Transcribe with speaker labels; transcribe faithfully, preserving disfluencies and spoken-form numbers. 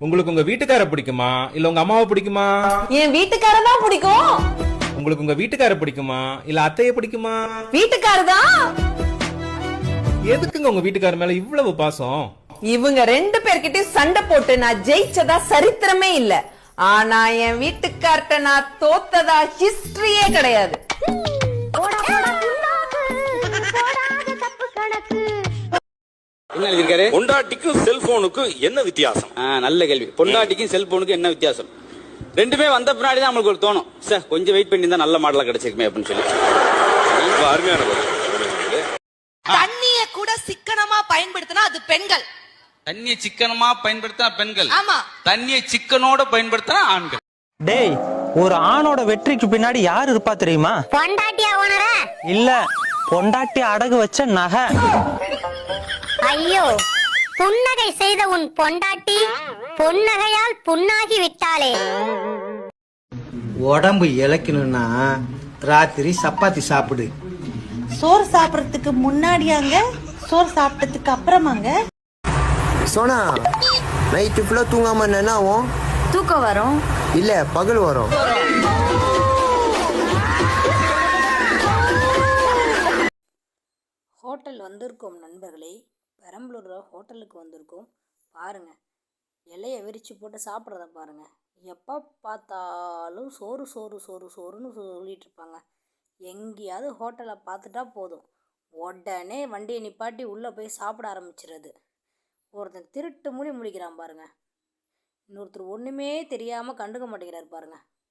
Speaker 1: உங்களுக்கு உங்க வீட்டுக்கார பிடிக்குமா இல்ல உங்க அம்மாவை பிடிக்குமா?
Speaker 2: என் வீட்டுக்கார தான் பிடிக்கும்.
Speaker 1: உங்களுக்கு உங்க வீட்டுக்கார பிடிக்குமா இல்ல அத்தைய பிடிக்குமா?
Speaker 2: வீட்டுக்கார தான்.
Speaker 1: எதுக்குங்க உங்க வீட்டுக்கார மேல இவ்வளவு பாசம்?
Speaker 2: இவங்க ரெண்டு பேர்கிட்டயும் சண்டை போட்டு நான் ஜெயிச்சதா சரித்திரமே இல்ல. ஆனா என் வீட்டுக்கார்ட்ட நான் தோத்ததா ஹிஸ்டரியே கிடையாது.
Speaker 3: என்ன எழுதிருக்காரு?
Speaker 4: பொண்டாட்டிக்கும் செல்போனுக்கும் என்ன வித்தியாசம்?
Speaker 3: நல்ல கேள்வி. பொண்டாட்டிக்கும் செல்போனுக்கும் என்ன வித்தியாசம்? ரெண்டுமே வந்த பின்னாடி தான் நம்மளுக்கு ஒரு தோணும், சார் கொஞ்சம் வெயிட் பண்ணி தான் நல்ல மாடலா கிடைச்சிருக்குமே அப்படின்னு சொல்லி.
Speaker 4: அருமையான பதில்.
Speaker 5: தண்ணிய கூட சிக்கனமா பயன்படுத்தினா அது பெண்கள்.
Speaker 6: தண்ணியை சிக்கனமா பயன்படுத்தினா பெண்கள்.
Speaker 5: ஆமா.
Speaker 6: தண்ணியை சிக்கனோட பயன்படுத்தினா ஆண்கள்.
Speaker 7: டேய், ஒரு ஆணோட வெற்றிக்கு பின்னாடி யார் இருப்பா தெரியுமா?
Speaker 8: பொண்டாட்டியா ஓனர?
Speaker 7: இல்ல, பொண்டாட்டி அடகு வச்ச நகை.
Speaker 8: ஐயோ, புன்னகை செய்த உன் பொண்டாட்டி பொன்னகையால் புண்ணாகி விட்டாளே.
Speaker 9: உடம்பு இளைக்கணும்னா ராத்திரி சப்பாத்தி சாப்பிடு.
Speaker 10: சோறு சாப்பிடறதுக்கு முன்னாடியாங்க, சோறு சாப்பிட்டதுக்கு அப்புறமாங்க?
Speaker 11: சோனா, நைட்டு ஃபுல்லா தூங்காம என்ன ஆகும்?
Speaker 8: தூக்கம் வரும்.
Speaker 11: இல்ல, பகல் வரும்.
Speaker 12: ஹோட்டல் வந்திருக்கோம் நண்பர்களே, பெரம்பலூர் ஹோட்டலுக்கு வந்திருக்கோம். பாருங்க, இலையை விரிச்சு போட்டு சாப்பிட்றத பாருங்க. எப்போ பார்த்தாலும் சோறு சோறு சோறு சோறுன்னு சொல்லிட்டு இருப்பாங்க. எங்கேயாவது ஹோட்டலை பார்த்துட்டா போதும், உடனே வண்டியை நிப்பாட்டி உள்ளே போய் சாப்பிட ஆரம்பிச்சிடுறது. ஒருத்தன் திருட்டு மூடி முடிக்கிறான் பாருங்க, இன்னொருத்தர் ஒன்றுமே தெரியாமல் கண்டுக்க மாட்டேங்கிறார் பாருங்க.